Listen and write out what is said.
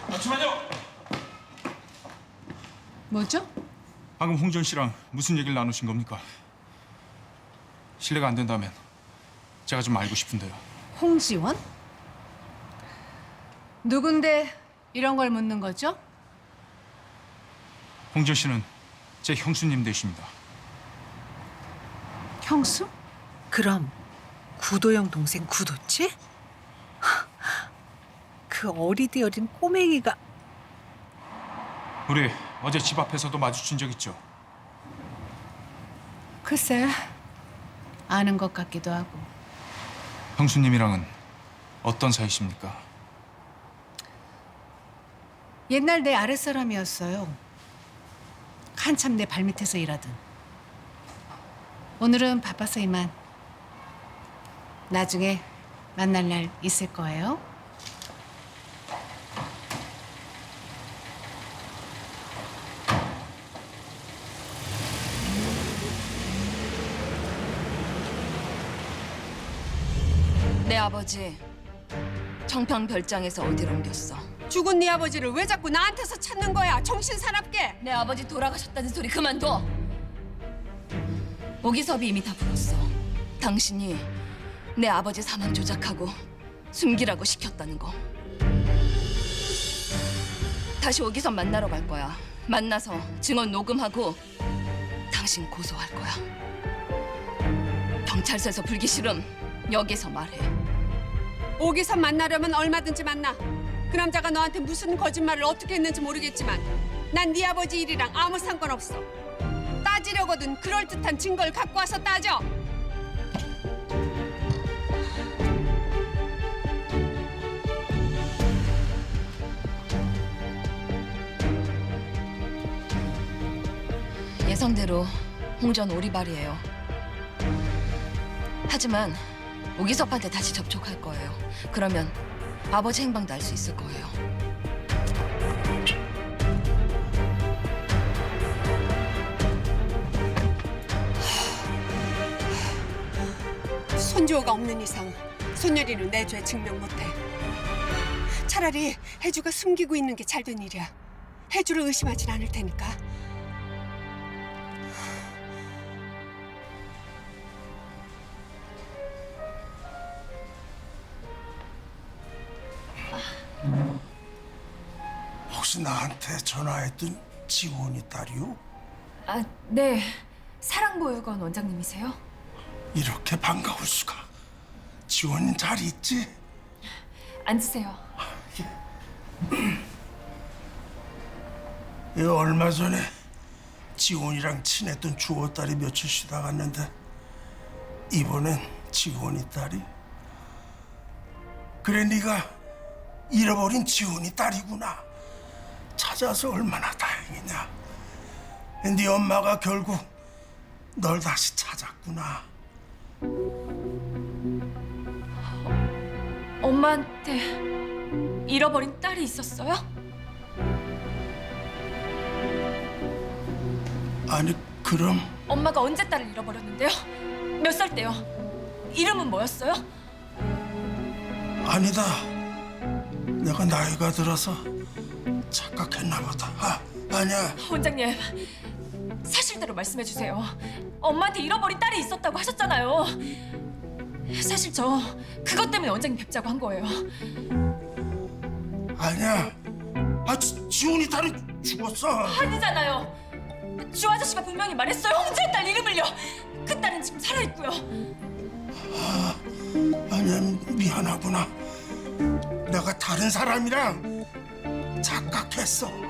잠시만요. 뭐죠? 방금 홍전 씨랑 무슨 얘기를 나누신 겁니까? 실례가 안 된다면 제가 좀 알고 싶은데요. 홍지원? 누군데 이런 걸 묻는 거죠? 홍전 씨는 제 형수님 되십니다. 형수? 그럼 구도영 동생 구도치? 그 어리디 어린 꼬맹이가 우리 어제 집 앞에서도 마주친 적 있죠? 글쎄, 아는 것 같기도 하고. 형수님이랑은 어떤 사이십니까? 옛날 내 아랫사람이었어요. 한참 내 발밑에서 일하던. 오늘은 바빠서 이만. 나중에 만날 날 있을 거예요. 내 아버지 청평별장에서 어디로 옮겼어? 죽은 네 아버지를 왜 자꾸 나한테서 찾는 거야? 정신 사납게. 내 아버지 돌아가셨다는 소리 그만둬. 오기섭이 이미 다 풀었어. 당신이 내 아버지 사망 조작하고 숨기라고 시켰다는 거. 다시 오기섭 만나러 갈 거야. 만나서 증언 녹음하고 당신 고소할 거야. 경찰서에서 불기실음 여기서 말해. 오기선 만나려면 얼마든지 만나. 그 남자가 너한테 무슨 거짓말을 어떻게 했는지 모르겠지만 난 네 아버지 일이랑 아무 상관없어. 따지려거든 그럴듯한 증거를 갖고 와서 따져. 예상대로 홍전 오리발이에요. 하지만 오기섭한테 다시 접촉할 거예요. 그러면 아버지 행방도 알 수 있을 거예요. 손주호가 없는 이상 손녀리는 내 죄 증명 못해. 차라리 혜주가 숨기고 있는 게 잘 된 일이야. 혜주를 의심하진 않을 테니까. 혹시 나한테 전화했던 지원이 딸이요? 아, 네. 사랑보육원 원장님이세요? 이렇게 반가울 수가. 지원 잘 있지? 앉으세요. 얼마 전에 지원이랑 친했던 주호 딸이 며칠 쉬다 갔는데 이번엔 지원이 딸이. 그래 네가 잃어버린 지원이 딸이구나. 찾아서 얼마나 다행이냐. 네 엄마가 결국 널 다시 찾았구나. 엄마한테 잃어버린 딸이 있었어요? 아니 그럼 엄마가 언제 딸을 잃어버렸는데요? 몇 살 때요? 이름은 뭐였어요? 아니다. 내가 나이가 들어서 착각했나 보다. 아니야. 원장님, 사실대로 말씀해 주세요. 엄마한테 잃어버린 딸이 있었다고 하셨잖아요. 사실 저 그것 때문에 원장님 뵙자고 한 거예요. 아니야. 지훈이 딸은 죽었어. 아니잖아요. 주 아저씨가 분명히 말했어요. 홍지의 딸 이름을요. 그 딸은 지금 살아있고요. 아니야, 미안하구나. 내가 다른 사람이랑 착각했어.